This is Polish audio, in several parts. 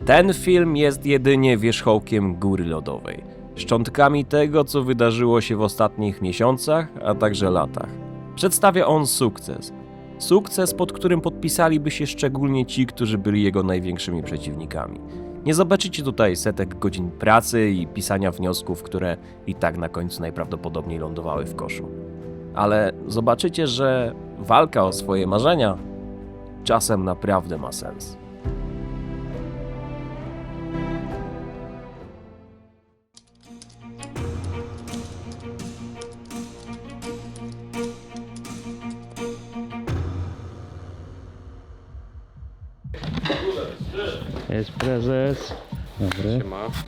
Ten film jest jedynie wierzchołkiem góry lodowej, szczątkami tego, co wydarzyło się w ostatnich miesiącach, a także latach. Przedstawia on sukces. Sukces, pod którym podpisaliby się szczególnie ci, którzy byli jego największymi przeciwnikami. Nie zobaczycie tutaj setek godzin pracy i pisania wniosków, które i tak na końcu najprawdopodobniej lądowały w koszu. Ale zobaczycie, że walka o swoje marzenia czasem naprawdę ma sens. Jest prezes. Dobry.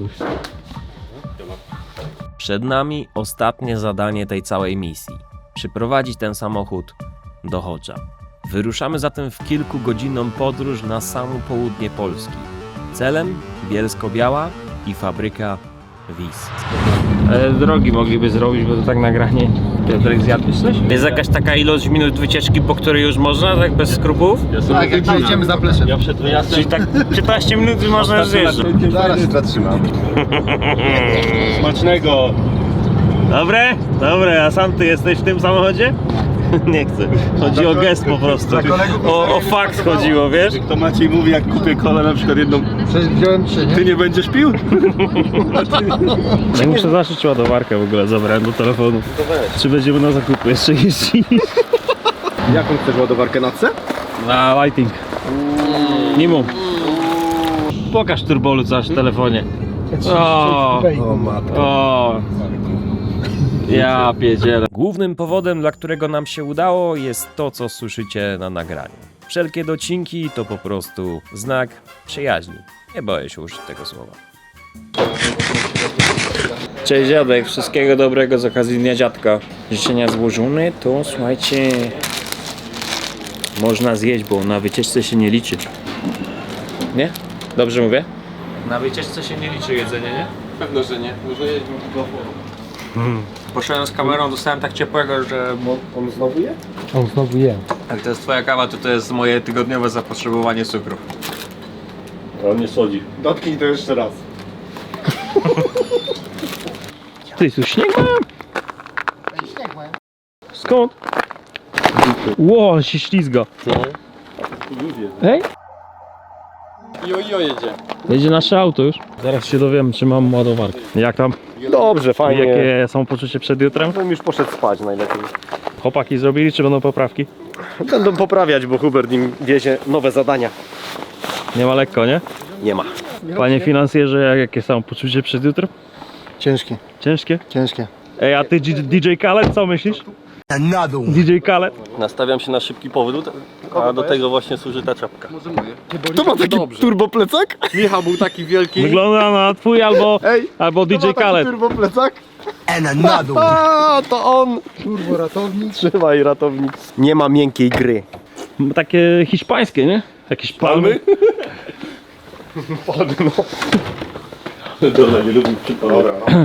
Przed nami ostatnie zadanie tej całej misji. Przyprowadzić ten samochód do Chocza. Wyruszamy zatem w kilkugodzinną podróż na samo południe Polski. Celem Bielsko-Biała i fabryka WIS. Drogi mogliby zrobić, bo to tak nagranie. Piotrek, zjadłeś coś? Jest jakaś taka ilość minut wycieczki, po której już można, tak bez skrupułów? Tak, jak jedziemy za pleszem. Ja przed wyjazdem... Czyli tak 15 minut można zjeżdżać. Zaraz się zatrzymam. Smacznego! Dobre? Dobre, a sam ty jesteś w tym samochodzie? Nie chcę. Chodzi o gest po prostu. O fakt chodziło, wiesz? To Maciej mówi, jak kupię kolę na przykład jedną... Przecież wziąłem 3, nie? Ty nie będziesz pił? Ja muszę zaszyć ładowarkę w ogóle, zabrałem do telefonu. Czy będziemy na zakupy jeszcze jeździć? Jaką chcesz ładowarkę na C? Na lighting. Nimo. Pokaż turbolu coś w telefonie. O matko. o. Ja pierdzielę. Głównym powodem, dla którego nam się udało, jest to, co słyszycie na nagraniu. Wszelkie docinki to po prostu znak przyjaźni. Nie boję się użyć tego słowa. Cześć dziadek, wszystkiego dobrego z okazji Dnia Dziadka. Życzenia złożone, to słuchajcie, można zjeść, bo na wycieczce się nie liczy. Nie? Dobrze mówię? Na wycieczce się nie liczy jedzenie, nie? Pewno, że nie. Może jedźmy do Poszedłem z kamerą, dostałem tak ciepłego, że... On znowu je? On znowu je. Jak to jest twoja kawa, to jest moje tygodniowe zapotrzebowanie cukru. On nie sodzi. Dotknij to jeszcze raz. Ty, tu śnieg mają? Śnieg mają. Skąd? Ło, się ślizga. Ej? Jojo jedzie. Jedzie nasze auto już. Zaraz się dowiem, czy mam ładowarkę. Jak tam? Dobrze, fajnie. Jakie są poczucie przed jutrem? Bym już poszedł spać najlepiej. Chłopaki zrobili, czy będą poprawki? Będą poprawiać, bo Hubert im wiezie nowe zadania. Nie ma lekko, nie? Nie ma. Panie finansjerze, jakie są poczucie przed jutrem? Ciężkie, Ciężkie? ciężkie. Ej, a ty DJ Khaled, co myślisz? DJ Khaled? Nastawiam się na szybki powrót, a do tego właśnie służy ta czapka. To ma taki turboplecak? Michał był taki wielki. Wygląda na twój albo DJ Khaled. turboplecak? A, to on! Turbo ratownik. Trzymaj, ratownik. Nie ma miękkiej gry. Takie hiszpańskie, nie? Jakieś palmy? Padno. Dobra, nie lubię przypomnieć.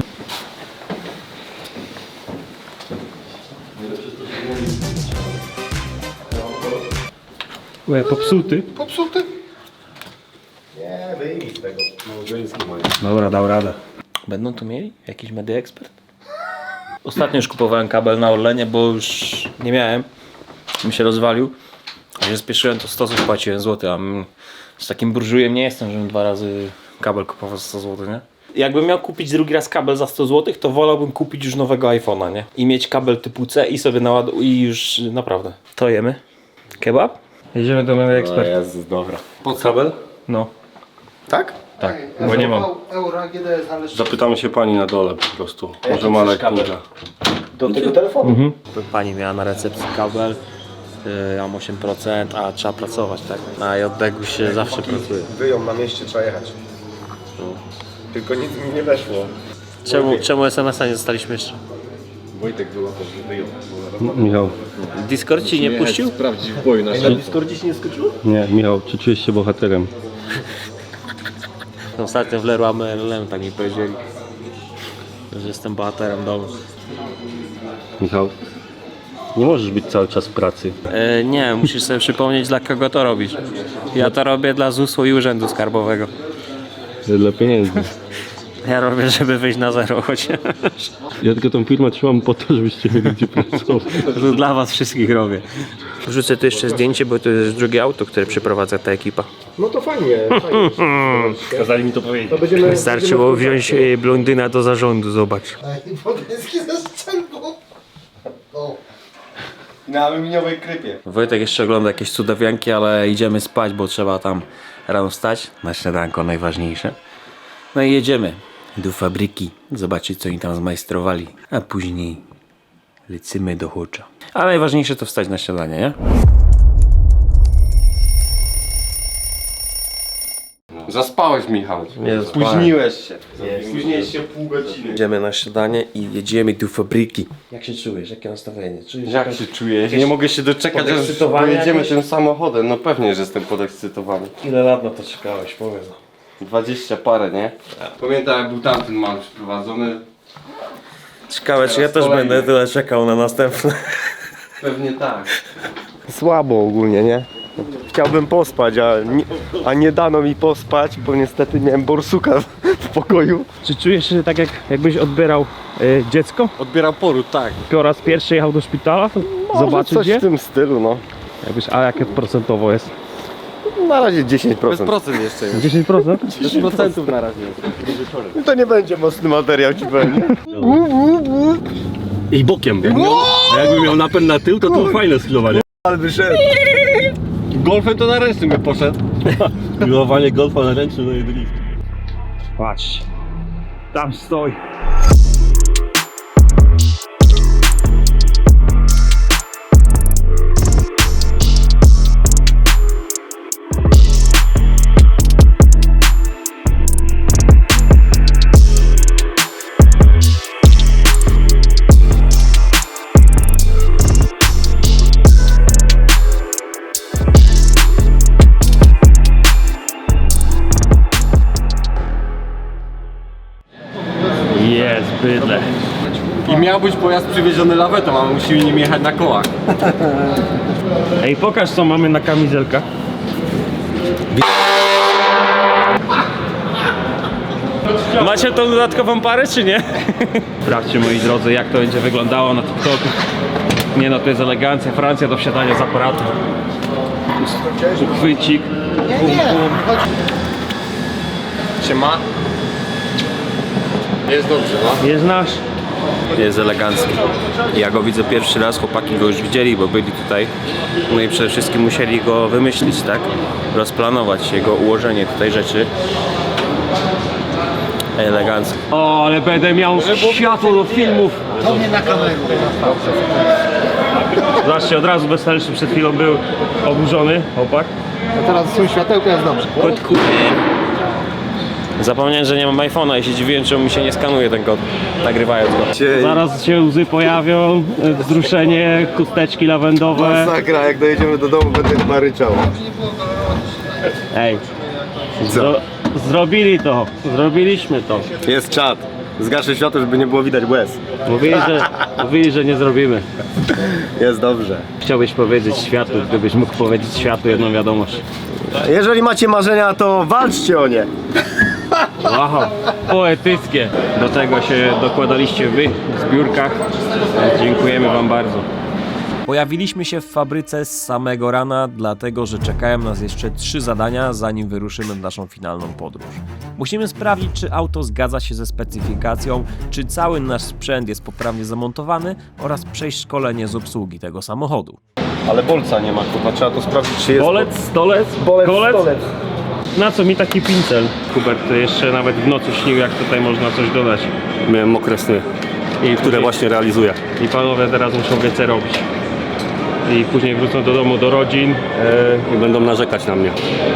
Łe, popsuty. Popsuty? Nie, wyjmij z tego. Małżeński mają. Dobra, dał radę. Będą tu mieli? Jakiś Media Expert? Ostatnio już kupowałem kabel na Orlenie, bo już nie miałem. Mi się rozwalił. A się spieszyłem, to 100 zł płaciłem złoty, a z takim burżujem nie jestem, żebym 2 razy kabel kupował za 100 zł, nie? Jakbym miał kupić drugi raz kabel za 100 zł, to wolałbym kupić już nowego iPhone'a, nie? I mieć kabel typu C i sobie naładować i już naprawdę. To jemy. Kebab? Jedziemy do Media Expert. Jezus, dobra. Pod kabel? No. Tak? Tak, bo nie mam. Euro, GDS, ale... Zapytamy się pani na dole po prostu. Może ma lekturę. Do tego telefonu. Pani miała na recepcji kabel, ja mam 8%, a trzeba pracować, tak? Na JDG się zawsze pracuje. Wyją na mieście, trzeba jechać. Tylko nic mi nie weszło. Czemu SMS-a nie dostaliśmy jeszcze? Wojtek było to, że wyjął. Michał, Discord ci nie puścił? Sprawdzić w boju na Discordzie się nie skoczyło? nie, Michał, czy czujesz się bohaterem? Ostatnio w Leroy Merlin tak mi powiedzieli, że jestem bohaterem domu. Michał, nie możesz być cały czas w pracy. Nie, musisz sobie przypomnieć, dla kogo to robisz. Ja to robię dla ZUS-u i Urzędu Skarbowego. Dla pieniędzy. Ja robię, żeby wyjść na zero chociaż. Ja tylko tą firmę trzymam po to, żebyście mieli gdzie pracować. To dla was wszystkich robię. Wrzucę tu jeszcze zdjęcie, bo to jest drugie auto, które przeprowadza ta ekipa. No to fajnie, fajnie. Kazali mi to powiedzieć. To będziemy... Wystarczyło wziąć blondyna do zarządu, zobacz. Podnieski ze strzelbą. O. Na aluminiowej krypie. Wojtek jeszcze ogląda jakieś cudawianki, ale idziemy spać, bo trzeba tam rano wstać. Na śniadanko najważniejsze. No i jedziemy do fabryki, zobaczyć co oni tam zmajstrowali, a później lecimy do Hocza. A najważniejsze to wstać na śniadanie, nie? Zaspałeś, Michał. Spóźniłeś się. Spóźniłeś się pół godziny. Idziemy na śniadanie i jedziemy do fabryki. Jak się czujesz? Jakie nastawienie? Czujesz Jak się czujesz? Nie mogę się doczekać, aż podekscytowanie pojedziemy jakieś? tym samochodem. No pewnie, że jestem podekscytowany. Ile lat na to czekałeś? Powiedz. 20 parę, nie? Pamiętam, jak był tamten mal przyprowadzony. Ciekawe, czy ja też kolejny. będę tyle czekał na następne. Pewnie tak. Słabo ogólnie, nie? Chciałbym pospać, a nie dano mi pospać, bo niestety miałem borsuka w pokoju. Czy czujesz się tak, jakbyś odbierał dziecko? Odbierał poród, tak. Po raz pierwszy jechał do szpitala? Może Zobaczyć coś je? w tym stylu, no. A jakie procentowo jest? Na razie 10%. Bez procent jeszcze jest. 10%? Bez procentów na razie jest. To nie będzie mocny materiał, ci powiem. I bokiem. A jakbym miał napęd na tył, to fajne sklowanie. Ale wyszedł. Golfem to na ręcznym by poszedł. Pilowanie golfa na ręczny, no i drift. Patrz. Tam stoi. Jest bydle. I miał być pojazd przywieziony lawetą, a musimy nim jechać na kołach. Ej, pokaż co mamy na kamizelkach. Macie tą dodatkową parę, czy nie? Sprawdźcie, moi drodzy, jak to będzie wyglądało na TikToku. Nie no, to jest elegancja. Francja do wsiadania z aparatu. Chwycik. Siema. Jest dobrze, no. Jest nasz. Jest elegancki. Ja go widzę pierwszy raz, chłopaki go już widzieli, bo byli tutaj. No i przede wszystkim musieli go wymyślić, tak? Rozplanować jego ułożenie tutaj rzeczy. Elegancko. O, ale będę miał światło do filmów. To mnie na kamerę. Zobaczcie, od razu weselszy przed chwilą był oburzony chłopak. A teraz są światełka, jest dobrze. Zapomniałem, że nie mam iPhone'a i się dziwiłem, czemu mi się nie skanuje ten kod, nagrywając go. Zaraz się łzy pojawią, wzruszenie, chusteczki lawendowe. Masakra, jak dojedziemy do domu, będę chyba ryczał. Ej, zrobili to, zrobiliśmy to. Jest czat. Zgaszę światło, żeby nie było widać łez. Mówili, że nie zrobimy. Jest dobrze. Chciałbyś powiedzieć światu, gdybyś mógł powiedzieć światu jedną wiadomość. Jeżeli macie marzenia, to walczcie o nie. Wow, poetyckie. Do tego się dokładaliście wy w zbiórkach. Dziękujemy wam bardzo. Pojawiliśmy się w fabryce z samego rana, dlatego że czekają nas jeszcze 3 zadania, zanim wyruszymy w naszą finalną podróż. Musimy sprawdzić, czy auto zgadza się ze specyfikacją, czy cały nasz sprzęt jest poprawnie zamontowany oraz przejść szkolenie z obsługi tego samochodu. Ale bolca nie ma, kurwa, trzeba to sprawdzić, czy jest. Bolec, stolec, kolec? Na co mi taki pincel? Hubert jeszcze nawet w nocy śnił, jak tutaj można coś dodać. Miałem mokre sny, które właśnie realizuję. I panowie teraz muszą więcej robić. I później wrócą do domu, do rodzin. I będą narzekać na mnie.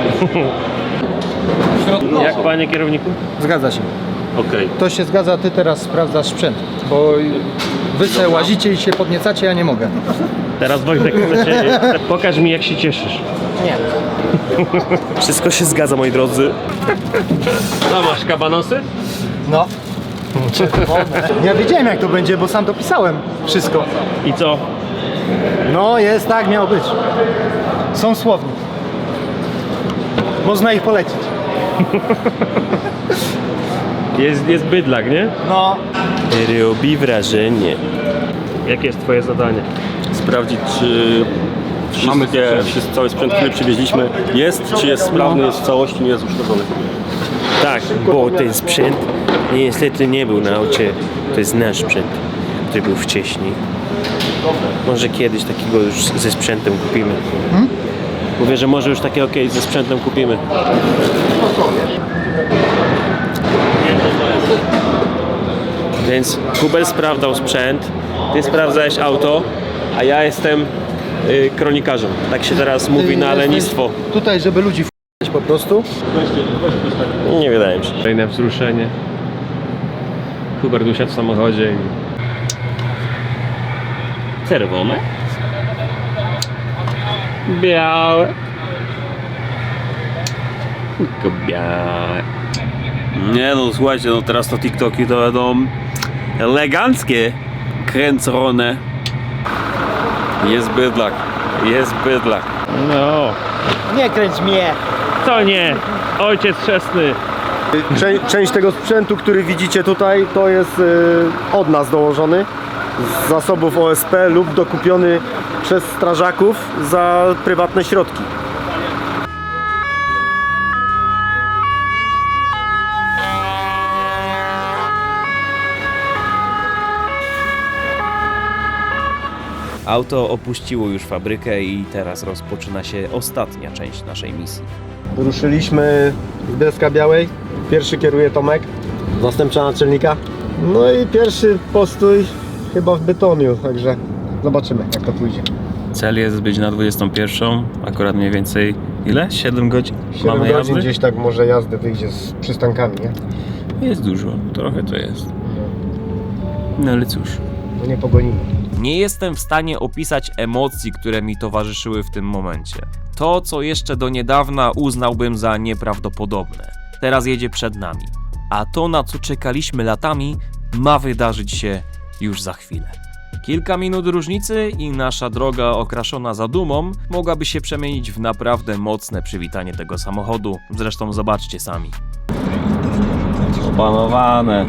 Jak panie kierowniku? Zgadza się. Okej. To się zgadza, ty teraz sprawdzasz sprzęt. Bo wy se łazicie i się podniecacie, ja nie mogę. Teraz Wojtek, pokaż mi jak się cieszysz. Wszystko się zgadza, moi drodzy. A masz kabanosy? No. Ja wiedziałem jak to będzie, bo sam dopisałem wszystko. I co? No jest tak, miało być. Są słowni. Można ich polecić. Jest bydlak, nie? No. Robi wrażenie. Jakie jest twoje zadanie? Sprawdzić, czy cały sprzęt, który przywieźliśmy jest, czy jest sprawny, jest w całości, nie jest uszkodzony. Tak, bo ten sprzęt niestety nie był na aucie. To jest nasz sprzęt, który był wcześniej. Może kiedyś takiego już ze sprzętem kupimy. Mówię, że może już takie okej, ze sprzętem kupimy. Więc Kubel sprawdzał sprzęt, ty sprawdzałeś auto, a ja jestem kronikarzem. Tak się teraz mówi na lenistwo. Tutaj, żeby ludzi w***ać po prostu. Nie wydaje mi się. Kolejne wzruszenie. Hubert usiadł w samochodzie i... Czerwone. Białe. Tylko białe. Nie no, słuchajcie, no teraz to TikToki to będą eleganckie, kręcone. Jest bydlak, jest bydlak. No. Nie kręć mnie. To nie. Ojciec chrzestny. Część tego sprzętu, który widzicie tutaj, to jest od nas dołożony z zasobów OSP lub dokupiony przez strażaków za prywatne środki. Auto opuściło już fabrykę i teraz rozpoczyna się ostatnia część naszej misji. Ruszyliśmy z Bielska Białej. Pierwszy kieruje Tomek, zastępca naczelnika. No i pierwszy postój chyba w Bytomiu, także zobaczymy, jak to pójdzie. Cel jest być na 21, akurat mniej więcej ile? 7 godzin? 7 Mamy godzin jazdy? gdzieś tak może jazdy wyjdzie z przystankami, nie? Jest dużo, trochę to jest. No ale cóż. No nie pogonimy. Nie jestem w stanie opisać emocji, które mi towarzyszyły w tym momencie. To, co jeszcze do niedawna uznałbym za nieprawdopodobne, teraz jedzie przed nami. A to, na co czekaliśmy latami, ma wydarzyć się już za chwilę. Kilka minut różnicy i nasza droga okraszona zadumą mogłaby się przemienić w naprawdę mocne przywitanie tego samochodu. Zresztą zobaczcie sami. Opanowane.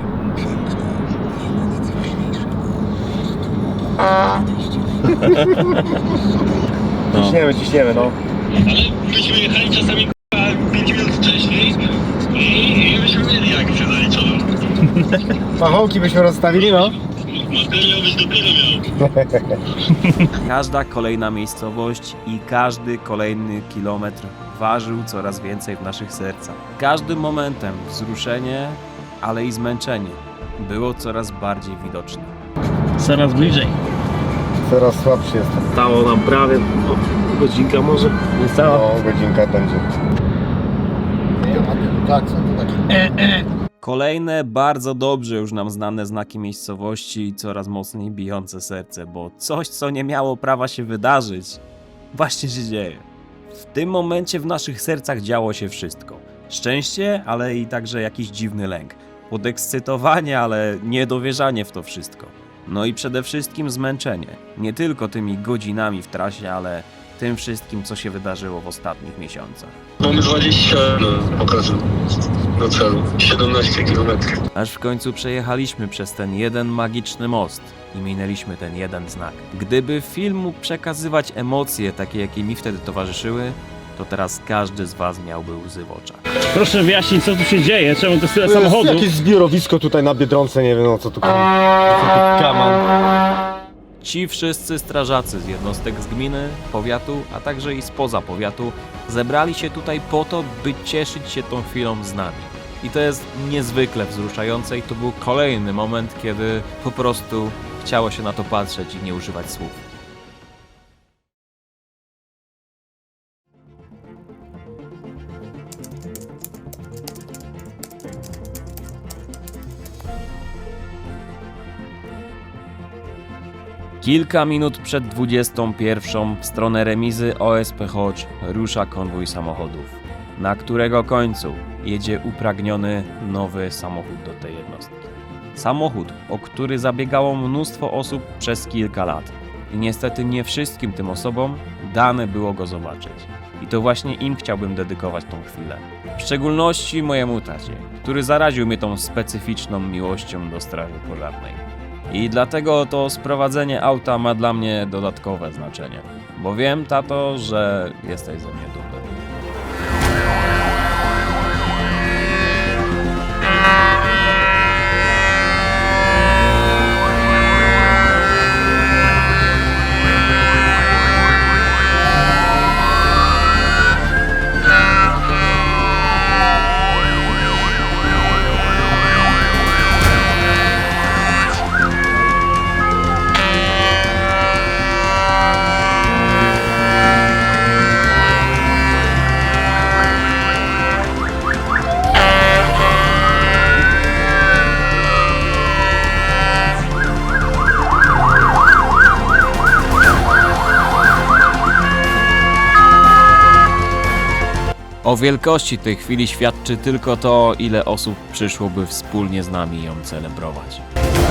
Ciśniemy, no. Myśmy jechali czasami 5 minut wcześniej i byśmy mieli akcję zaliczoną. Pachołki byśmy rozstawili, no. Materiał byś dopiero miał. Każda kolejna miejscowość i każdy kolejny kilometr ważył coraz więcej w naszych sercach. Każdym momentem wzruszenie, ale i zmęczenie było coraz bardziej widoczne. Coraz bliżej. Coraz słabszy jestem. Stało nam prawie godzinka może. Niecała. No, godzinka będzie. Tak, są to takie. Kolejne bardzo dobrze już nam znane znaki miejscowości i coraz mocniej bijące serce, bo coś, co nie miało prawa się wydarzyć, właśnie się dzieje. W tym momencie w naszych sercach działo się wszystko. Szczęście, ale i także jakiś dziwny lęk. Podekscytowanie, ale niedowierzanie w to wszystko. No i przede wszystkim zmęczenie. Nie tylko tymi godzinami w trasie, ale tym wszystkim, co się wydarzyło w ostatnich miesiącach. Mamy 20 pokazu do celu, 17 km. Aż w końcu przejechaliśmy przez ten jeden magiczny most i minęliśmy ten jeden znak. Gdyby film mógł przekazywać emocje takie, jakie mi wtedy towarzyszyły, to teraz każdy z was miałby łzy w oczach. Proszę wyjaśnić, co tu się dzieje, czemu to jest tyle To jest samochodów. jakieś zbiorowisko tutaj na Biedronce, nie wiem o co tu kaman. Ci wszyscy strażacy z jednostek z gminy, powiatu, a także i spoza powiatu zebrali się tutaj po to, by cieszyć się tą chwilą z nami. I to jest niezwykle wzruszające i to był kolejny moment, kiedy po prostu chciało się na to patrzeć i nie używać słów. Kilka minut przed 21 w stronę remizy OSP Chodź rusza konwój samochodów, na którego końcu jedzie upragniony nowy samochód do tej jednostki. Samochód, o który zabiegało mnóstwo osób przez kilka lat i niestety nie wszystkim tym osobom dane było go zobaczyć. I to właśnie im chciałbym dedykować tą chwilę. W szczególności mojemu tacie, który zaraził mnie tą specyficzną miłością do straży pożarnej. I dlatego to sprowadzenie auta ma dla mnie dodatkowe znaczenie. Bo wiem, tato, że jesteś ze mnie dumny. O wielkości tej chwili świadczy tylko to, ile osób przyszłoby wspólnie z nami ją celebrować.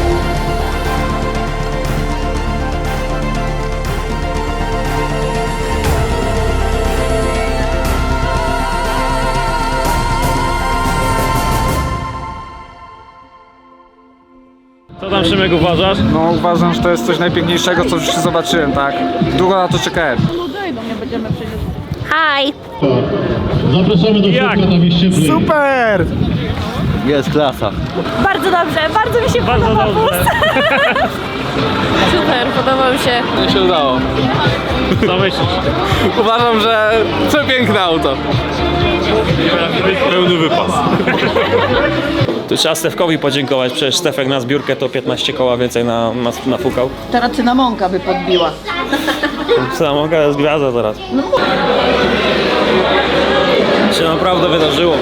Co tam, Szymek, uważasz? No uważam, że to jest coś najpiękniejszego, co już zobaczyłem, tak? Długo na to czekałem. Hi! Zapraszamy do Jak? środka, tam jest cieplej. Super! Jest klasa. Bardzo dobrze, bardzo mi się Bardzo podoba dobrze. Super, podobał się. Nie się udało. Co myślisz? Uważam, że przepiękne auto. Pełny wypas. Tu trzeba Stefkowi podziękować, przecież Stefek na zbiórkę to 15 koła więcej nafukał. Teraz cynamonka by podbiła. Samoga jest gwiazda teraz. Się naprawdę wydarzyło.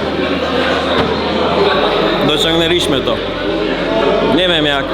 Dociągnęliśmy to. Nie wiem jak.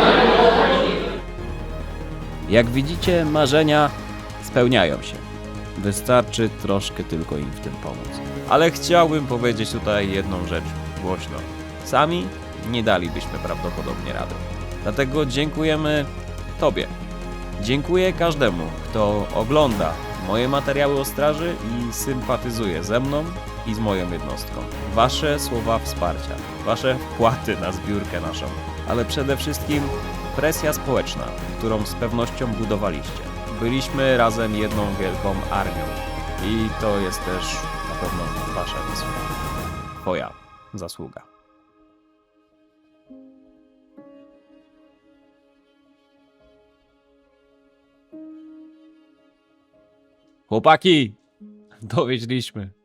Jak widzicie, marzenia spełniają się. Wystarczy troszkę tylko im w tym pomóc. Ale chciałbym powiedzieć tutaj jedną rzecz głośno. Sami nie dalibyśmy prawdopodobnie rady. Dlatego dziękujemy Tobie. Dziękuję każdemu, kto ogląda moje materiały o straży i sympatyzuje ze mną i z moją jednostką. Wasze słowa wsparcia, wasze wpłaty na zbiórkę naszą, ale przede wszystkim presja społeczna, którą z pewnością budowaliście. Byliśmy razem jedną wielką armią i to jest też na pewno wasza zasługa. Twoja zasługa. Chłopaki, dowieźliśmy.